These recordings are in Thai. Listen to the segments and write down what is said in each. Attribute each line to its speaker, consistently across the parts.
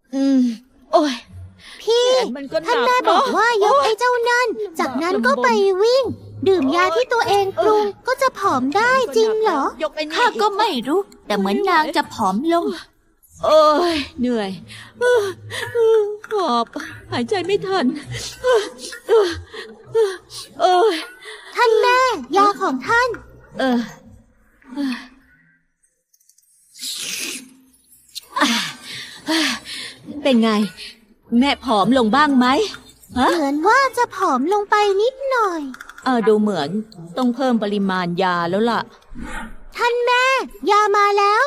Speaker 1: โอ้ย
Speaker 2: พี่ท่านแม่บอกว่ายกไอ้เจ้านั่นจากนั้นก็ไปวิ่งดื่มยาที่ตัวเองปรุงก็จะผอมได้จริงเหรอ
Speaker 1: ข้าก็ไม่รู้แต่เหมือนนางจะผอมลงโอ้ยเหนื่อยหอบหายใจไม่ทัน
Speaker 2: ท่านแม่ยาของท่าน
Speaker 1: เป็นไงแม่ผอมลงบ้างไหม
Speaker 2: เหมือนว่าจะผอมลงไปนิดหน่อย
Speaker 1: ดูเหมือนต้องเพิ่มปริมาณยาแล้วล่ะ
Speaker 2: ท่านแม่ยามาแล้ว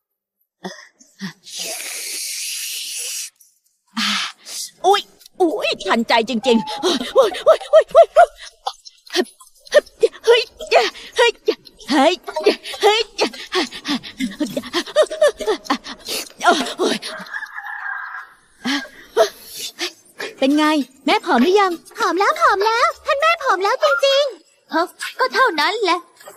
Speaker 1: อุ้ยทันใจจริงๆเฮ้ยเฮ้ยเฮ้ยเฮ้ยเฮ้ยเฮ้ยเฮ้ยเฮ้ยเป็นไงแม่ผอมหรือยัง
Speaker 2: ผอมแล้วท่านแม่ผอมแล้วจริง
Speaker 1: ๆก็เท่านั้นแหละ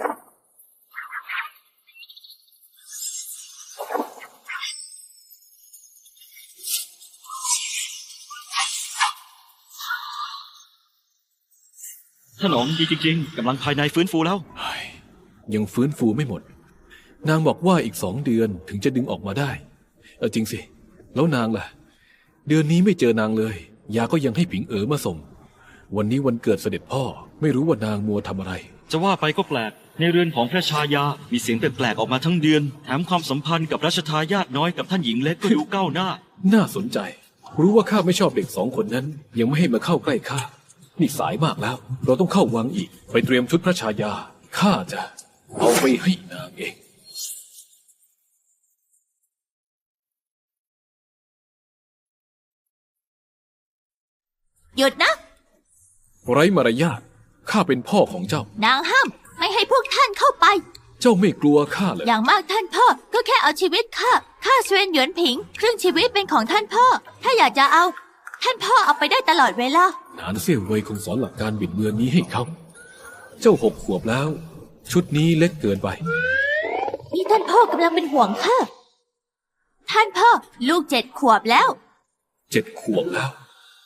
Speaker 3: ถนอมดีจริงๆกำลังภายในฟื้นฟูแล้ว
Speaker 4: ยังฟื้นฟูไม่หมดนางบอกว่าอีก2 เดือนถึงจะดึงออกมาได้จริงสิแล้วนางล่ะเดือนนี้ไม่เจอนางเลยยาก็ยังให้ผิงมาส่งวันนี้วันเกิดเสด็จพ่อไม่รู้ว่านางมัวทำอะไร
Speaker 3: จะว่าไปก็แปลกในเรือนของพระชายามีเสียงแปลกๆออกมาทั้งเดือนแถมความสัมพันธ์กับรัชทายาทน้อยกับท่านหญิงเล็กก็ดูก้าวหน้า
Speaker 4: น่าสนใจรู้ว่าข้าไม่ชอบเด็ก2 คนนั้นยังไม่ให้มาเข้าใกล้ข้านี่สายมากแล้วเราต้องเข้าวังอีกไปเตรียมชุดพระชายาข้าจะเอาไปให้นางเอง
Speaker 1: หยุดนะ
Speaker 4: ไร้มารยาทข้าเป็นพ่อของเจ้าน
Speaker 1: างห้ามไม่ให้พวกท่านเข้าไป
Speaker 4: เจ้าไม่กลัวข้าเลย
Speaker 1: อย่างมากท่านพ่อก็แค่เอาชีวิตข้าเสวียนหยวนผิงครึ่งชีวิตเป็นของท่านพ่อถ้าอยากจะเอาท่านพ่อเอาไปได้ตลอดเวลาน
Speaker 4: านเสี่ยวเว่ยคงสอนหลักการบิดเบือนนี้ให้เขาเจ้า6 ขวบแล้วชุดนี้เล็กเกินไป
Speaker 1: นี่ท่านพ่อกำลังเป็นห่วงข้าท่านพ่อลูก7 ขวบแล้ว
Speaker 4: 7 ขวบแล้ว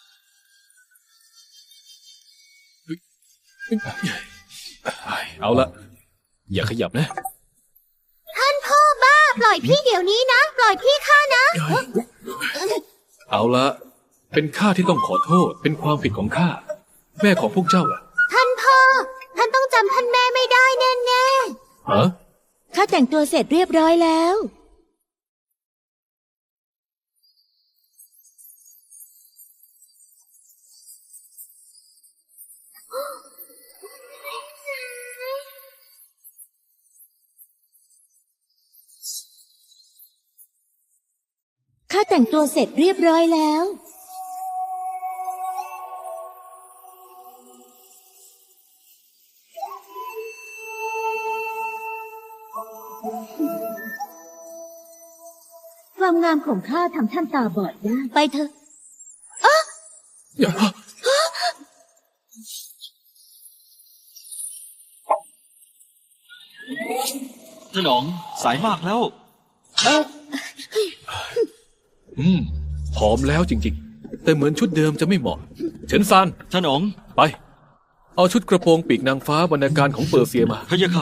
Speaker 4: เอาละอย่าขยับนะ
Speaker 2: ท่านพ่อบ้าปล่อยพี่เดี๋ยวนี้นะปล่อยพี่ข้านะ
Speaker 4: เอาละเป็นข้าที่ต้องขอโทษเป็นความผิดของข้าแม่ของพวกเจ้าล่ะ
Speaker 2: ท่านพ่อท่านต้องจำท่านแม่ไม่ได้แน่
Speaker 4: ๆ
Speaker 1: ข้าแต่งตัวเสร็จเรียบร้อยแล้วข้าแต่งตัวเสร็จเรียบร้อยแล้วความงามของข้าทำท่านตาบอดได้ไปเถอะ
Speaker 3: ถนอมสายมากแล้ว
Speaker 4: ผอมแล้วจริงๆแต่เหมือนชุดเดิมจะไม่เหมาะเฉินซาน
Speaker 3: ถนอม
Speaker 4: ไปเอาชุดกระโปรงปีกนางฟ้าบรรณาการของเปอร์เซียมา
Speaker 3: พะยะค่ะ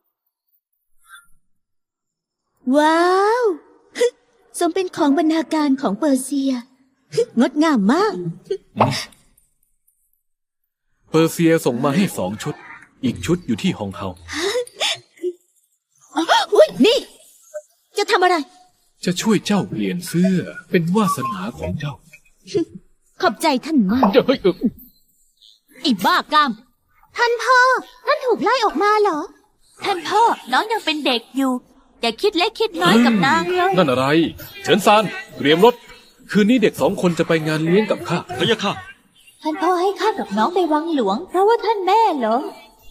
Speaker 1: ว้าวสมเป็นของบรรณาการของเปอร์เซียงดงามมาก
Speaker 4: เปอร์เซียส่งมาให้2 ชุดอีกชุดอยู่ที่ฮองเฮา
Speaker 1: นี่จะทำอะไร
Speaker 4: จะช่วยเจ้าเปลี่ยนเสื้อเป็นวาสนาของเจ้า
Speaker 1: ขอบใจท่านมากไอ้บ้ากาม
Speaker 2: ท่านพ่อท่านถูกไล่ออกมาเหรอ
Speaker 1: ท่านพ่อน้องยังเป็นเด็กอยู่อย่าคิดเล็กคิดน้อยกับนางเลย
Speaker 4: นั่นอะไรเฉินซานเตรียมรถคืนนี้เด็ก2 คนจะไปงานเลี้ยงกับข้า
Speaker 3: พะยะค่ะ
Speaker 1: ท่านพ่อให้ข้ากับน้องไปวังหลวงเพราะว่าท่านแม่เหรอ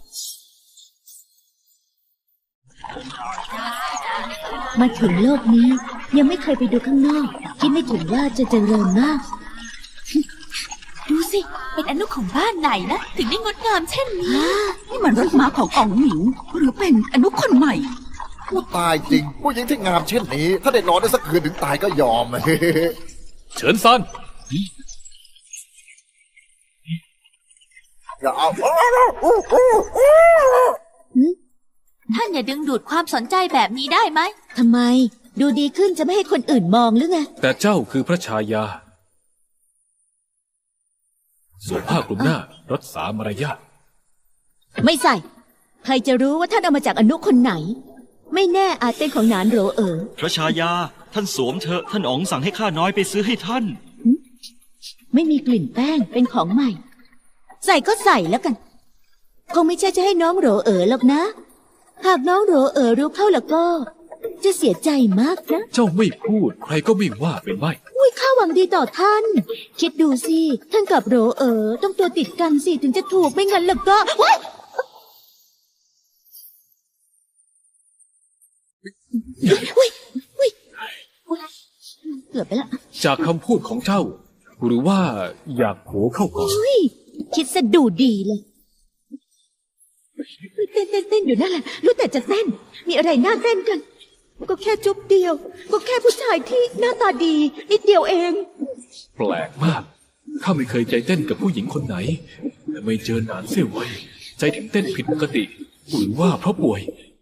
Speaker 1: มาถึงโลกนี้ยังไม่เคยไปดูข้างนอกคิดไม่ถึงว่าจะเจริญมากดูสิเป็นอนุของบ้านไหนนะถึงได้งดงามเช่นนี้
Speaker 5: นี่มันรถม้าของอ๋องหมิงหรือเป็นอนุคนใหม่
Speaker 6: ผู้ตายจริงผู้หญิงที่งามเช่นนี้ถ้าได้นอนได้สักคืนถึงตายก็ยอม
Speaker 4: เฉินซัน
Speaker 1: ท่านอย่าดึงดูดความสนใจแบบนี้ได้ไหม
Speaker 2: ทำไม ดูดีขึ้นจะไม่ให้คนอื่นมองหรือไง
Speaker 4: แต่เจ้าคือพระชายาสวมผ้าคลุมหน้ารักษามารยาท
Speaker 2: ไม่ใส่ ใครจะรู้ว่าท่านเอามาจากอนุคนไหน ไม่แน่อาจเป็นของหนานโหรเอ๋อ
Speaker 3: พระชายาท่านสวมเถอะท่านอ๋องสั่งให้ข้าน้อยไปซื้อให้ท่าน
Speaker 2: ไม่มีกลิ่นแป้งเป็นของใหม่ ใส่ก็ใส่แล้วกัน คงไม่ใช่จะให้น้องโหรเอ๋อหรอกนะ หากน้องโหรเอ๋อรู้เข้าแล้วก็ จะเสียใจมากนะ
Speaker 4: เจ้าไม่พูดใครก็ไม่ว่าเป็นไม่
Speaker 2: อุ้ยข้าหวังดีต่อท่าน คิดดูสิท่านกับโหรเอ๋อต้องตัวติดกันสิถึงจะถูกไม่งั้นแล้วก็ว้ายอุ๊ยอุ๊ยอุ๊ยเกือบไปละ
Speaker 4: จากคำพูดของเจ้า หรือว่าอยากโผเข้าก่อน
Speaker 2: อุ๊ยคิดซะดูดีเลยเต้นอยู่นั่นแหละรู้แต่จะเต้น มีอะไรน่าเต้นกัน ก็แค่จุ๊บเดียว ก็แค่ผู้ชายที่หน้าตาดี นิดเดียวเอง
Speaker 4: แปลกมากข้าไม่เคยใจเต้นกับผู้หญิงคนไหน แต่ไม่เจอนานเสียไว้ใจถึงเต้นผิดปกติหรือว่าเพราะป่วย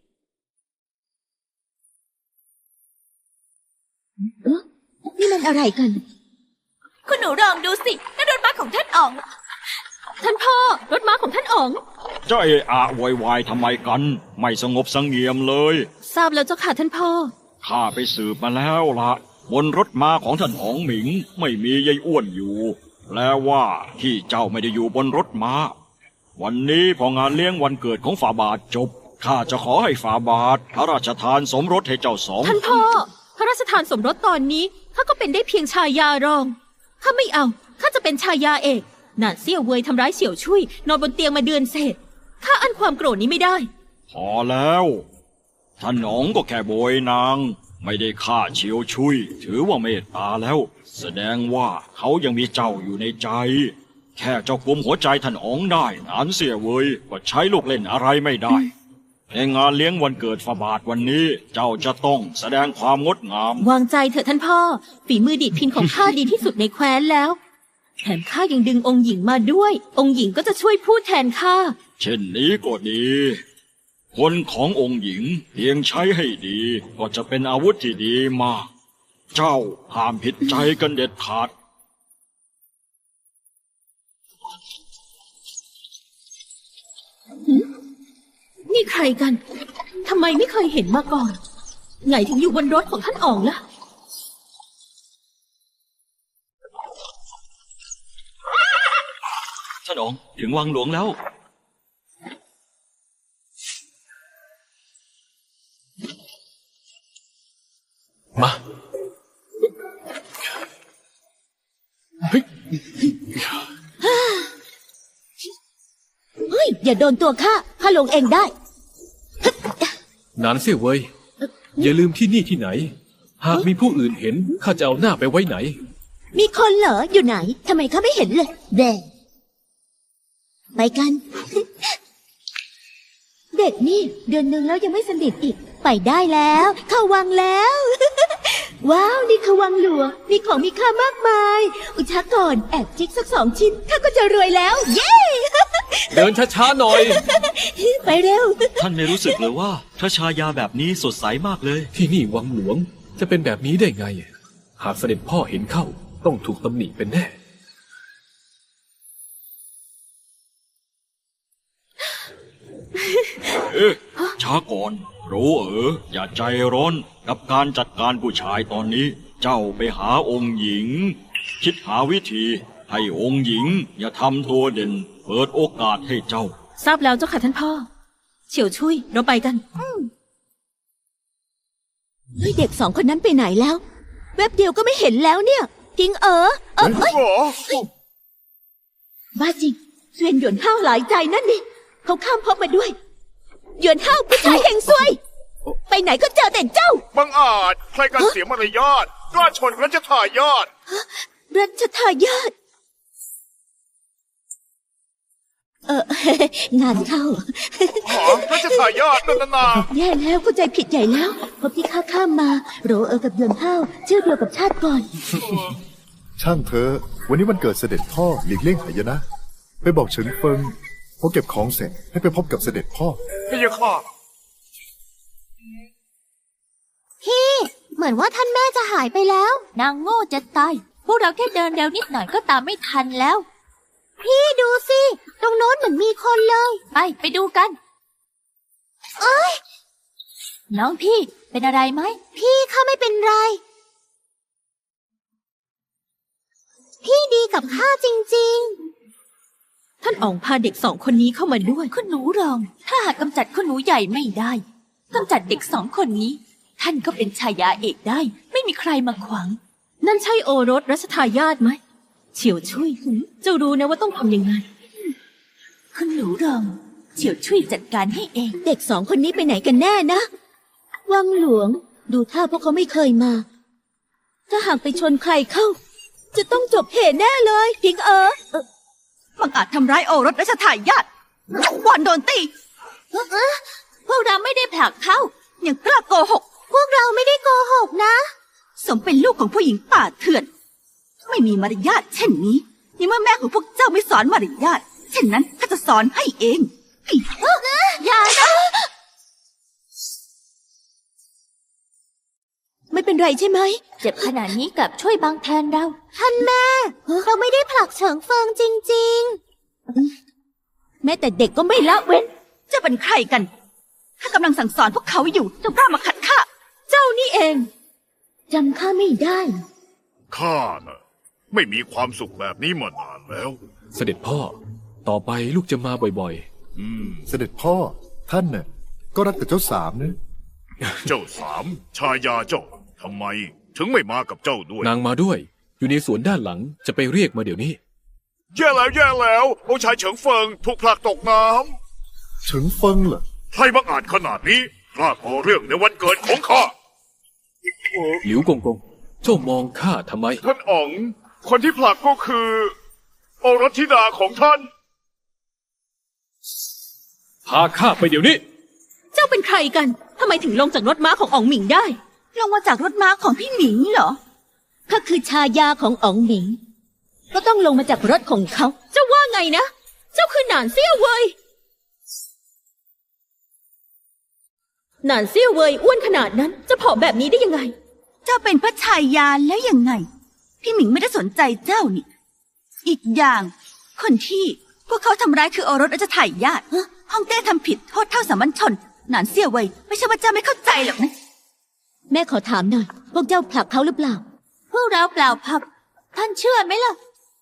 Speaker 2: นี่มันอะไรกัน
Speaker 1: คุณหนูลองดูสินั่นรถม้าของท่านอ๋อง ท่านพ่อ รถม้าของท่านอ๋อง
Speaker 3: เจ้าเอะอะโวยวายทำไมกัน ไม่สงบเสงี่ยมเลย
Speaker 1: ทราบแล้วเจ้าค่ะท่านพ่อ
Speaker 3: ข้าไปสืบมาแล้วละบนรถม้าของท่านอ๋องหมิง ไม่มียายอ้วนอยู่แปลว่าที่เจ้าไม่ได้อยู่บนรถม้า วันนี้พองานเลี้ยงวันเกิดของฝ่าบาทจบข้าจะขอให้ฝ่าบาทพระราชทานสมรสให้เจ้าสอง
Speaker 1: ท่านพ่อ พระราชทานสมรสตอนนี้ข้าก็เป็นได้เพียงชายารอง ข้าไม่เอา ข้าจะเป็นชายาเอกหนานเซี่ยวเวยทำร้ายเสี่ยวชุยนอนบนเตียงมาเดือนเศษ ข้าอั้นความโกรธนี้ไม่ได้
Speaker 3: พอแล้วท่านอ๋องก็แค่โบยนาง ไม่ได้ฆ่าเฉียวชุย ถือว่าเมตตาแล้ว แสดงว่าเขายังมีเจ้าอยู่ในใจ แค่เจ้ากุมหัวใจท่านอ๋องได้นานเสียเวยก็ใช้ลูกเล่นอะไรไม่ได้ในงานเลี้ยงวันเกิดฝ่าบาทวันนี้เจ้าจะต้องแสดงความงดงาม
Speaker 1: วางใจเถอะท่านพ่อ ฝีมือดีดพินของข้าดีที่สุดในแคว้นแล้ว แถมข้ายังดึงองค์หญิงมาด้วย องค์หญิงก็จะช่วยพูดแทนข้า
Speaker 3: เช่นนี้ก็ดี คนขององค์หญิงเพียงใช้ให้ดีก็จะเป็นอาวุธที่ดีมาก เจ้าห้ามผิดใจกันเด็ดขาด
Speaker 1: นี่ใครกัน ทำไมไม่เคยเห็นมาก่อน ไงถึงอยู่บนรถของท่านอ๋องล่ะ
Speaker 3: ท่านอ๋องถึงวังหลวงแล้ว
Speaker 4: มาเฮ้ย
Speaker 2: เฮ้ย อย่าโดนตัวข้าลงเองได้
Speaker 4: นานเสียเว้ยอย่าลืมที่นี่ที่ไหน หากมีผู้อื่นเห็นข้าจะเอาหน้าไปไว้ไหน
Speaker 2: มีคนเหรออยู่ไหนทำไมข้าไม่เห็นเลยแด่ไปกัน เด็กนี่เดือนหนึ่งแล้วยังไม่สนิทอีก ไปได้แล้ว เข้าวังแล้ว ว้าวนี่คือวังหลวงมีของมีค่ามากมาย อุชาก่อนแอบจิกสัก2 ชิ้นข้าก็จะรวยแล้ว เย้
Speaker 4: เดินช้าๆหน่อย
Speaker 2: ไปเร็ว
Speaker 3: ท่านไม่รู้สึกเลยว่าพระชายาแบบนี้สดใสมากเลย
Speaker 4: ที่นี่วังหลวงจะเป็นแบบนี้ได้ไง หากเสด็จพ่อเห็นเข้าต้องถูกตำหนิเป็นแน่
Speaker 3: ช้าก่อนรู้อย่าใจร้อนกับการจัดการผู้ชายตอนนี้ เจ้าไปหาองค์หญิง คิดหาวิธีให้องค์หญิงอย่าทำตัวเด่น เปิดโอกาสให้เจ้า
Speaker 1: ทราบแล้วเจ้าค่ะท่านพ่อ เฉียวชุยเราไปกัน
Speaker 2: เฮ้ยเด็ก2 คนนั้นไปไหนแล้ว แวบเดียวก็ไม่เห็นแล้วเนี่ยพิงเเอ้ยบ้าจริงเสวียนหยวนห้าวหลายใจนั่นนี่เขาข้ามพบมาด้วยหยวนห้าวผู้ชายเฮงซวย ไปไหนก็เจอแต่เจ้า
Speaker 6: บังอาจใครกันเสียมารยาทกล้าชนรัชทายาท
Speaker 2: รัชทายาทงานเข้า
Speaker 6: หอรัชทายาทนั่นนา
Speaker 2: แย่แล้วเข้าใจผิดใหญ่แล้วพบที่ข้ามมาโรกับหยวนห้าวชื่อเดียวกับชาติก่อน
Speaker 7: ช่างเธอะวันนี้วันเกิดเสด็จพ่อหลีกเลี่ยงหายนะ ไปบอกเฉิงเฟิงพอเก็บของเสร็จให้ไปพบกับเสด็จพ่อ
Speaker 6: พี่ยะค่ะ
Speaker 2: เหมือนว่าท่านแม่จะหายไปแล้ว นางโง่จะตาย พวกเราแค่เดินเร็วนิดหน่อยก็ตามไม่ทันแล้ว พี่ดูสิ ตรงโน้นเหมือนมีคนเลย ไปดูกัน น้องพี่เป็นอะไรไหม พี่ข้าไม่เป็นไร พี่ดีกับข้าจริง
Speaker 1: ท่านอ๋องพาเด็ก2 คนนี้เข้ามาด้วย
Speaker 2: ๆ คุณหนูรอง ถ้าหากกำจัดคุณหนูใหญ่ไม่ได้กำจัดเด็ก2 คนนี้ ท่านก็เป็นชายาเอกได้ ไม่มีใครมาขวาง
Speaker 1: นั่นใช่โอรสรัชทายาทไหมเฉียวชุยเจ้ารู้นะว่าต้องทำยังไง
Speaker 2: คุณหนูรอง เฉียวช่วยจัดการให้เอง เด็ก2 คนนี้ไปไหนกันแน่นะ วังหลวง ดูท่าพวกเขาไม่เคยมา ถ้าหากไปชนใครเข้า จะต้องจบเหตุแน่เลยพิงบังอาจทำร้ายโอรสรัชทายาทวอนโดนตีพวกเราไม่ได้ผลักเขายังกล้าโกหก พวกเราไม่ได้โกหกนะ สมเป็นลูกของผู้หญิงป่าเถื่อน ไม่มีมารยาทเช่นนี้นี่เมื่อแม่ของพวกเจ้าไม่สอนมารยาทเช่นนั้นข้าจะสอนให้เองอย่านะไม่เป็นไรใช่ไหมเจ็บขนาดนี้กลับช่วยบางแทนเราท่านแม่เราไม่ได้ผลักเฉิงเฟิงจริงๆแม้แต่เด็กก็ไม่ละเว้นจะเป็นใครกันข้ากำลังสั่งสอนพวกเขาอยู่เจ้ากล้ามาขัดข้าเจ้านี่เองจำข้าไม่ได้
Speaker 6: ข้าน่ะไม่มีความสุขแบบนี้มานานแล้ว
Speaker 4: เสด็จพ่อ ต่อไปลูกจะมาบ่อย
Speaker 7: เสด็จพ่อท่านน่ะก็รักแต่เจ้าสามนะ
Speaker 6: เจ้าสามชายาเจ้าทำไมถึงไม่มากับเจ้าด้วย
Speaker 4: ๆ นางมาด้วย อยู่ในสวนด้านหลังจะไปเรียกมาเดี๋ยวนี้
Speaker 6: แย่แล้วองค์ชายเฉิงเฟิงถูกผลักตกน้
Speaker 7: เฉิงเฟิงเหรอ
Speaker 6: ำใครบังอาจขนาดนี้กล้าก่อเรื่องในวันเกิดของข้า
Speaker 4: หลิวกงกง เจ้ามองข้าทำไม
Speaker 6: ท่านอ๋อง คนที่ผลักก็คือโอรสธิดาของท่าน
Speaker 4: พาข้าไปเดี๋ยวนี้
Speaker 1: เจ้าเป็นใครกันทำไมถึงลงจากรถม้าของอ๋องหมิงได้
Speaker 2: ลงมาจากรถม้าของพี่หมิงเหรอข้าคือชายาของอ๋องหมิง ก็ต้องลงมาจากรถของเขา
Speaker 1: เจ้าว่าไงนะ เจ้าคือหนานเซี่ยวเวยหนานเซี่ยวเวยอ้วนขนาดนั้น จะผอมแบบนี้ได้ยังไง
Speaker 2: เจ้าเป็นพระชายาแล้วยังไง พี่หมิงไม่ได้สนใจเจ้านี่ อีกอย่าง คนที่พวกเขาทำร้ายคือโอรสรัชทายาทฮ่องเต้ทำผิดโทษเท่าสามัญชนหนานเซี่ยวเว่ยไม่ใช่ว่าเจ้าไม่เข้าใจหรอกนะ แม่ขอถามหน่อย พวกเจ้าผลักเขาหรือเปล่า พวกเราเปล่าผลัก ท่านเชื่อไหมล่ะ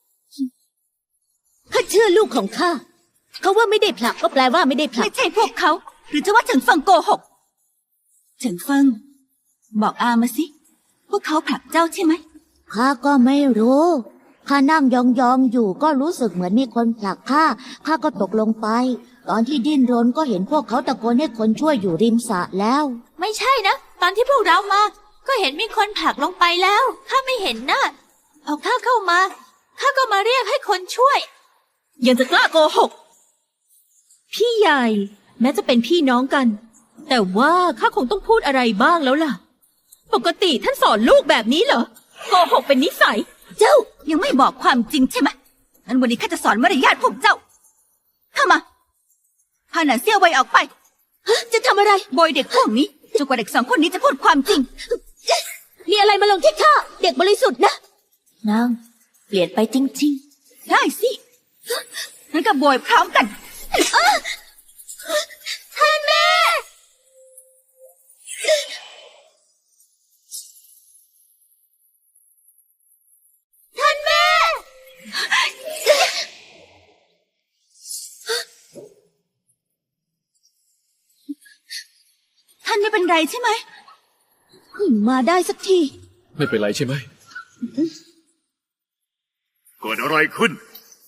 Speaker 2: ข้าเชื่อลูกของข้าเขาว่าไม่ได้ผลักก็แปลว่าไม่ได้ผลักไม่ใช่พวกเขา หรือจะว่าเฉิงเฟิงโกหกเฉิงเฟิงบอกอามาสิ พวกเขาผลักเจ้าใช่ไหม
Speaker 8: ข้าก็ไม่รู้ ข้านั่งยองๆอยู่ก็รู้สึกเหมือนมีคนผลักข้า ข้าก็ตกลงไป ตอนที่ดิ้นรนก็เห็นพวกเขาตะโกนให้คนช่วยอยู่ริมสระแล้ว
Speaker 2: ไม่ใช่นะ ตอนที่พวกเรามา ก็เห็นมีคนผลักลงไปแล้ว ข้าไม่เห็นนะพอข้าเข้ามา ข้าก็มาเรียกให้คนช่วย
Speaker 1: ยังจะกล้าโกหก พี่ใหญ่ แม้จะเป็นพี่น้องกัน แต่ว่าข้าคงต้องพูดอะไรบ้างแล้วล่ะ ปกติท่านสอนลูกแบบนี้เหรอ โกหกเป็นนิสัย
Speaker 2: เจ้ายังไม่บอกความจริงใช่ไหมงั้นวันนี้ข้าจะสอนมารยาทพวกเจ้า เข้ามา พาหนานเซี่ยวไวออกไป จะทำอะไรโบยเด็กพวกนี้จนกว่าเด็ก2 คนนี้จะพูดความจริง
Speaker 8: มีอะไรมาลงที่ข้า เด็กบริสุทธิ์นะ
Speaker 2: นางเปลี่ยนไปจริงๆ ได้สิงั้นก็โบยพร้อมกันท่านแม่ท่านแม่ ท่านไม่เป็นไรใช่ไหม
Speaker 8: มาได้สักที
Speaker 4: ไม่เป็นไรใช่ไหม
Speaker 6: เกิดอะไรขึ้น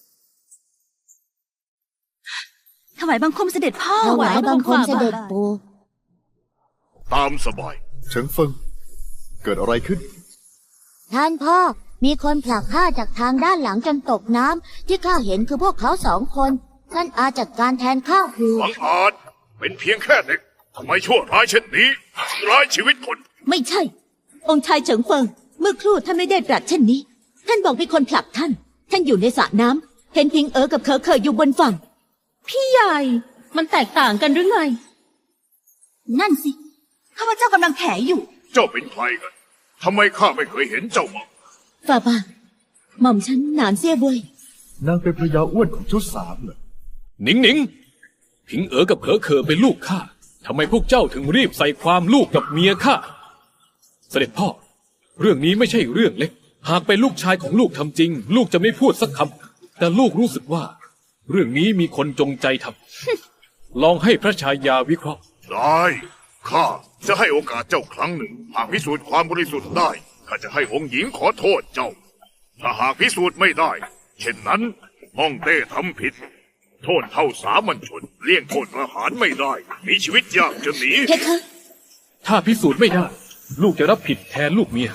Speaker 2: ถวายบังคมเสด็จพ่อ
Speaker 8: ถวายบังคมเสด็จปู่
Speaker 6: ตามสบาย
Speaker 7: เฉิงเฟิงเกิดอะไรขึ้น
Speaker 8: ท่านพ่อ มีคนผลักข้าจากทางด้านหลังจนตกน้ำที่ข้าเห็นคือพวกเขา2 คน ท่านอาจัดการแทนข้าคือ
Speaker 6: บังอาจเป็นเพียงแค่เด็กทำไมชั่วร้ายเช่นนี้ร้ายชีวิตคน
Speaker 2: ไม่ใช่ องค์ชายเฉิงเฟิง เมื่อครู่ท่านไม่ได้ตรัสเช่นนี้ ท่านานบอกมีคนผลักท่าน ท่านอยู่ในสระน้ำเห็นพิงเอ๋อกับเคอเคยอยู่บนฝั่ง
Speaker 1: พี่ใหญ่ มันแตกต่างกันหรือไง
Speaker 5: นั่นสิข้าพเจ้ากำลังแถอยู่
Speaker 6: เจ้าเป็นใครกันทำไมข้าไม่เคยเห็นเจ้ามา
Speaker 2: ฝ่าบาทหม่อมฉันหนานเสียบวย
Speaker 7: นางเป็นภรรยาอ้วนของชุดสามเหรอ
Speaker 4: หนิงหนิงผิงเอ๋อกับเผอเคอเป็นลูกข้าทำไมพวกเจ้าถึงรีบใส่ความลูกกับเมียข้าเสด็จพ่อ เรื่องนี้ไม่ใช่เรื่องเล็ก หากเป็นลูกชายของลูกทำจริง ลูกจะไม่พูดสักคำแต่ลูกรู้สึกว่า เรื่องนี้มีคนจงใจทำ ลองให้พระชายาวิเคราะห์
Speaker 6: ได้ข้าจะให้โอกาสเจ้าครั้งหนึ่ง หากพิสูจน์ความบริสุทธิ์ได้ข้าจะให้องค์หญิงขอโทษเจ้า ถ้าหากพิสูจน์ไม่ได้ เช่นนั้นฮ่องเต้ทำผิด โทษเท่าสามัญชนเลี่ยงโทษประหารไม่ได้ มีชีวิตยากจะหนี
Speaker 2: เพคะ
Speaker 4: ถ้าพิสูจน์ไม่ได้ ลูกจะรับผิดแทนลูกเมีย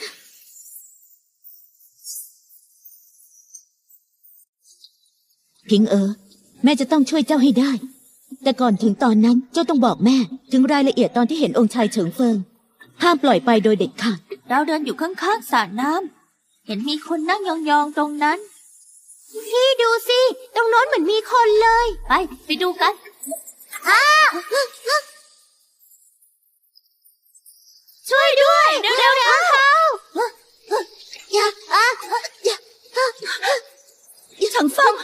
Speaker 2: พิงเอ๋อแม่จะต้องช่วยเจ้าให้ได้ แต่ก่อนถึงตอนนั้นเจ้าต้องบอกแม่ ถึงรายละเอียดตอนที่เห็นองค์ชายเฉิงเฟิง ห้ามปล่อยไปโดยเด็ดขาด
Speaker 5: เราเดินอยู่ข้างๆสระน้ำเห็นมีคนนั่งยองๆตรงนั้น พี่ดูสิ ตรงโน้นเหมือนมีคนเลย ไปดูกันช่วยด้วยเร็วๆเขาอย่าเฉิงเฟิง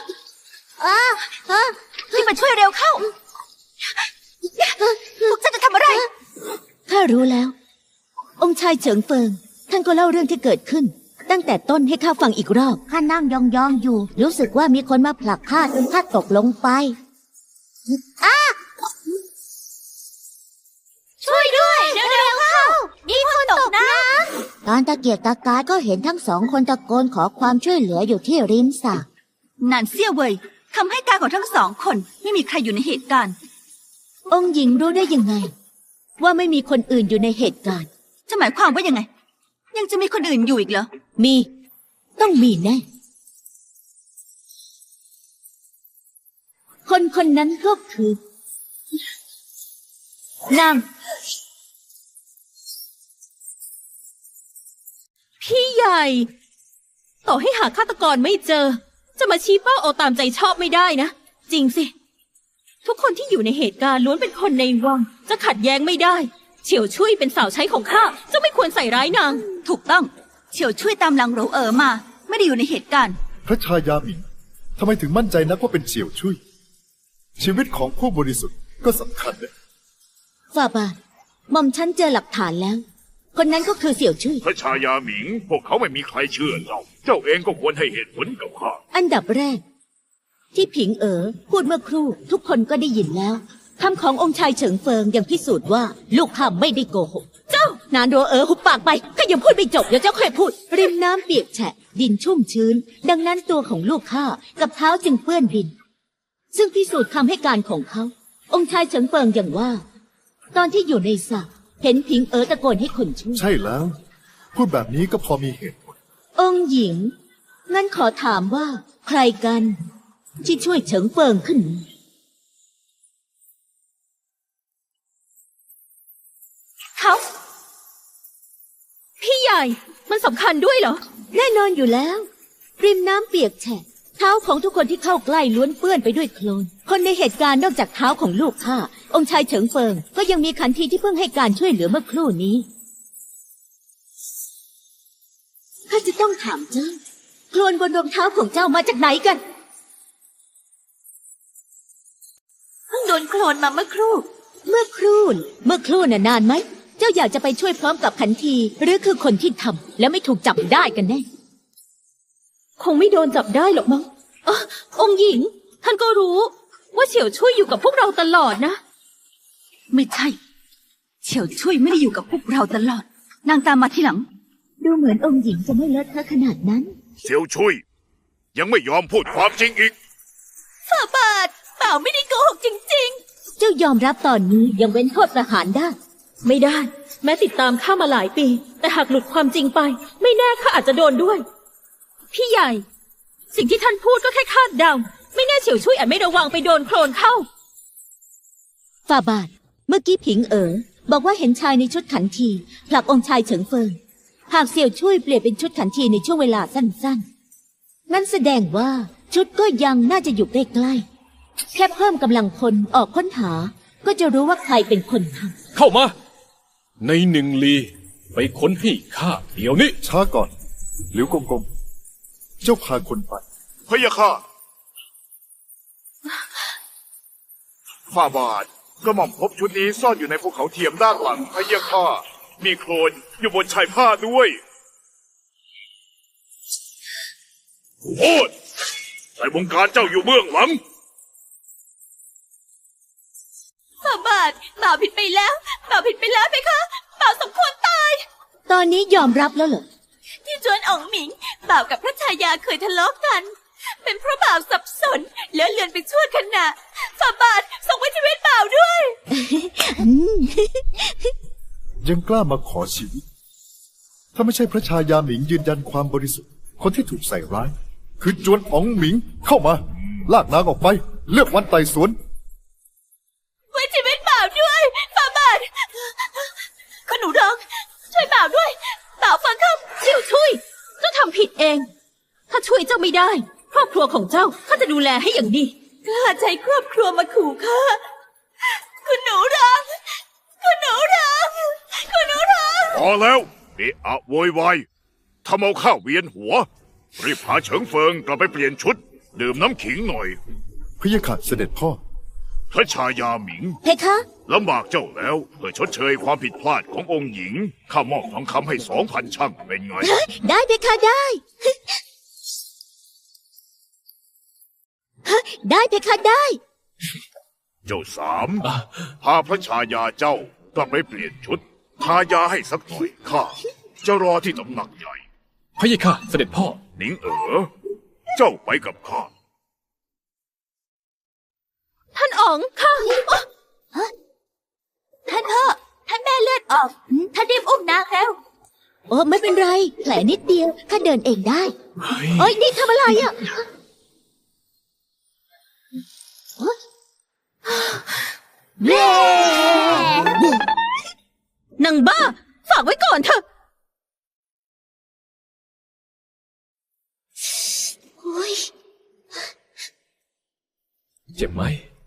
Speaker 5: รีบมาช่วยเร็วเข้าพวกเจ้าจะทำอะไร
Speaker 2: ข้ารู้แล้ว องค์ชายเฉิงเฟิง ท่านก็เล่าเรื่องที่เกิดขึ้น ตั้งแต่ต้นให้ข้าฟังอีกรอบ
Speaker 8: ข้านั่งยองๆอยู่ รู้สึกว่ามีคนมาผลักข้าจนข้าตกลงไป
Speaker 5: ช่วยด้วยเร็วๆเข้ามีคนตกน้
Speaker 8: ตอนตะเกียกตะกายก็เห็นทั้งสองคนตะโกนขอความช่วยเหลืออยู่ที่ริมสระ
Speaker 5: ำนั่นเสี่ยเว่ยคำให้การของทั้งสองคนไม่มีใครอยู่ในเหตุการณ์
Speaker 2: องค์หญิงรู้ได้ยังไง ว่าไม่มีคนอื่นอยู่ในเหตุการณ์
Speaker 5: จะหมายความว่ายังไง ยังจะมีคนอื่นอยู่อีกเหรอ
Speaker 2: มี ต้องมีแน่ คนคนนั้นก็คือ นาง
Speaker 1: พี่ใหญ่ ต่อให้หาฆาตกรไม่เจอ จะมาชี้เป้าเอาตามใจชอบไม่ได้นะ จริงสิ ทุกคนที่อยู่ในเหตุการณ์ล้วนเป็นคนในวัง จะขัดแย้งไม่ได้ เฉียวช่วยเป็นสาวใช้ของข้าเจ้าไม่ควรใส่ร้ายนาง
Speaker 5: ถูกต้อง เฉียวช่วยตามหลังโรเอ๋อมา ไม่ได้อยู่ในเหตุการณ์
Speaker 7: พระชายาหมิงทำไมถึงมั่นใจนักว่าเป็นเฉียวชุยชีวิตของผู้บริสุทธิ์ก็สำคัญนะ
Speaker 2: ฝ่าบาทหม่อมฉันเจอหลักฐานแล้ว คนนั้นก็คือเสี่ยวชุย
Speaker 6: พระชายาหมิง พวกเขาไม่มีใครเชื่อเจ้า เจ้าเองก็ควรให้เหตุผลกับข้า
Speaker 2: อันดับแรก ที่ผิงเอ๋อพูดเมื่อครู่ ทุกคนก็ได้ยินแล้วคำขององค์ชายเฉิงเฟิงยังพิสูจน์ว่า ลูกข้าไม่ได้โกหก เจ้านานโรเอ๋อหุบปากไปก็ยังพูดไม่จบเดี๋ยวเจ้าค่อยพูด ริมน้ำเปียกแฉะ ดินชุ่มชื้น ดังนั้นตัวของลูกข้ากับเท้าจึงเปื้อนดิน ซึ่งพิสูจน์คำให้การของเขา องค์ชายเฉิงเฟิงอย่างว่า ตอนที่อยู่ในสระเห็นผิงเอ๋อตะโกนให้คนช่วย
Speaker 7: ใช่แล้ว พูดแบบนี้ก็พอมีเหตุผล
Speaker 2: องค์หญิง งั้นขอถามว่า ใครกัน ที่ช่วยเฉิงเฟิงขึ้นมา
Speaker 1: เขา พี่ใหญ่ มันสำคัญด้วยเหรอ
Speaker 2: แน่นอนอยู่แล้ว ริมน้ำเปียกแฉะ เท้าของทุกคนที่เข้าใกล้ล้วนเปื้อนไปด้วยโคลน คนในเหตุการณ์นอกจากเท้าของลูกข้า องค์ชายเฉิงเฟิง ก็ยังมีขันทีที่เพิ่งให้การช่วยเหลือเมื่อครู่นี้ข้าจะต้องถามเจ้าโคลนบนรองเท้าของเจ้ามาจากไหนกัน
Speaker 5: เพิ่งโดนโคลนมาเมื่อครู่
Speaker 2: เมื่อครู่น่ะนานไหม เจ้าอยากจะไปช่วยพร้อมกับขันที หรือคือคนที่ทำแล้วไม่ถูกจับได้กันแน่
Speaker 1: คงไม่โดนจับได้หรอกมั้งองค์หญิง ท่านก็รู้ ว่าเฉียวช่วยอยู่กับพวกเราตลอดนะ
Speaker 5: ไม่ใช่ เฉียวช่วยไม่ได้อยู่กับพวกเราตลอด นางตามมาที่หลัง
Speaker 2: ดูเหมือนองค์หญิงจะไม่เลอะเทอะขนาดนั้น
Speaker 6: เซียวชุยยังไม่ยอมพูดความจริงอีก
Speaker 5: ฝ่าบาทเปล่าไม่ได้โกหกจริง
Speaker 2: เจ้ายอมรับตอนนี้ยังเว้นโทษประหารได้
Speaker 1: ไม่ได้ แม้ติดตามข้ามาหลายปี แต่หากหลุดความจริงไป ไม่แน่ข้าอาจจะโดนด้วย พี่ใหญ่ สิ่งที่ท่านพูดก็แค่คาดเดา ไม่แน่เฉียวช่วยอาจไม่ระวังไปโดนโคลนเข้า
Speaker 2: ฝ่าบาท เมื่อกี้ผิงเอ๋อบอกว่าเห็นชายในชุดขันทีผลักองค์ชายเฉิงเฟิงหากเสี่ยวช่วยเปลี่ยนเป็นชุดขันทีในช่วงเวลาสั้นๆงั้นแสดงว่าชุดก็ยังน่าจะอยู่ใกล้ๆแค่เพิ่มกำลังคนออกค้นหา ก็จะรู้ว่าใครเป็นคนทำ
Speaker 4: เข้ามา ในหนึ่งลี ไปค้นให้ข้าเดี๋ยวนี้
Speaker 7: ช้าก่อนหลิวกงกงเจ้าพาคนไป
Speaker 6: พะยะค่ะฝ่าบาทกระหม่อมพบชุดนี้ซ่อนอยู่ในภูเขาเทียมด้านหลังพะยะค่ะมีโคลนอยู่บนชายผ้าด้วยโอ้ยใส่วงการเจ้าอยู่เบื้องหลัง
Speaker 5: ฝ่าบาทบ่าวผิดไปแล้วบ่าวผิดไปแล้วไหมคะบ่าวสมควรตาย
Speaker 2: ตอนนี้ยอมรับแล้วเหรอ
Speaker 5: ที่จวนอ๋องหมิงบ่าวกับพระชายาเคยทะเลาะกัน เป็นเพราะบ่าวสับสนเลอะเลือนไปชั่วขณะฝ่าบาทส่งไว้ชีวิตบ่าวด้วย
Speaker 7: ยังกล้ามาขอชีวิต ถ้าไม่ใช่พระชายาหมิงยืนยันความบริสุทธิ์คนที่ถูกใส่ร้าย คือจวนอ๋องหมิงเข้ามา ลากนางออกไป เลือกวันไต่สวน
Speaker 5: ไว้ชีวิตบ่าวด้วยฝ่าบาทคุณหนูร้องช่วยบ่าวด้วยบ่าวฟังคำ
Speaker 1: เสี่ยวช่วยเจ้าทำผิดเอง ถ้าช่วยเจ้าไม่ได้ ครอบครัวของเจ้าข้าจะดูแลให้อย่างดี
Speaker 5: กล้าใช้ครอบครัวมาขู่ข้าคุณหนูร้องคุณหนูร้องคุณหนูร้อง
Speaker 6: พอแล้วเอะอะโวยวายทำเอาข้าเวียนหัว รีบพาเฉิงเฟิงกลับไปเปลี่ยนชุด ดื่มน้ำขิงหน่อย
Speaker 7: พะยะค่ะเสด็จพ่อ
Speaker 6: พระชายาหมิง
Speaker 2: เพคะ
Speaker 6: ลำบากเจ้าแล้วเพื่อชดเชยความผิดพลาดขององค์หญิง ข้ามอบทองคำให้2,000ช่างเป็นไง
Speaker 2: ได้เพคะได้ ได้เพคะได้
Speaker 6: เจ้าสามพาพระชายาเจ้ากลับไปเปลี่ยนชุด ทายาให้สักหน่อยข้าจะรอที่ตำหนักใหญ่
Speaker 4: พะยะค่ะเสด็จพ่อ
Speaker 6: หนิงเจ้าไปกับข้า
Speaker 1: ท่านอ๋องข้า
Speaker 5: ท่านพ่อท่านแม่เลือดออกท่านรีบอุ้มนางแล้ว
Speaker 2: โอ้ไม่เป็นไรแผลนิดเดียวข้าเดินเองได้
Speaker 4: เฮ้ย
Speaker 2: เอ้ยนี่ทำอะไรอ่ะ
Speaker 1: เร่นางบ้า ฝากไว้ก่อนเถอะ
Speaker 2: โอ้ย
Speaker 4: เจ็บไหม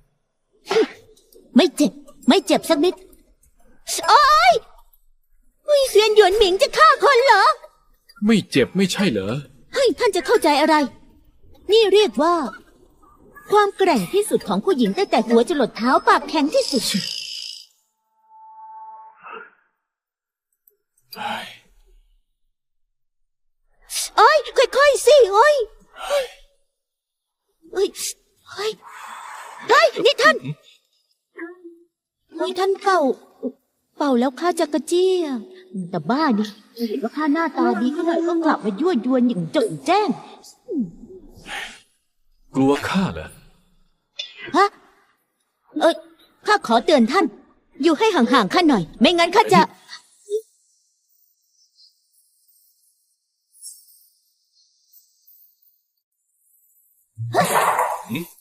Speaker 2: ไม่เจ็บ ไม่เจ็บสักนิดโอ้ยอุ้ยเซียนหยวนหมิงจะฆ่าคนเหรอ
Speaker 4: ไม่เจ็บไม่ใช่เหรอ
Speaker 2: เฮ้ยท่านจะเข้าใจอะไร นี่เรียกว่า ความแกร่งที่สุดของผู้หญิงตั้งแต่หัวจรดเท้าปากแข็งที่สุด โอ้ยค่อยๆสิโอ้ยเฮ้ยเฮ้ยเฮ้ยนี่ท่านนี่ท่านเป่าแล้วข้าจะกระเจี้ยแต่บ้าดิเห็นว่าข้าหน้าตาดีก็เลยต้องกลับมายั่วยวนอย่างโจ่งแจ้ง
Speaker 4: กลัวข้าเหรอ
Speaker 2: ฮะข้าขอเตือนท่าน อยู่ให้ห่างๆข้าหน่อย ไม่งั้นข้าจะ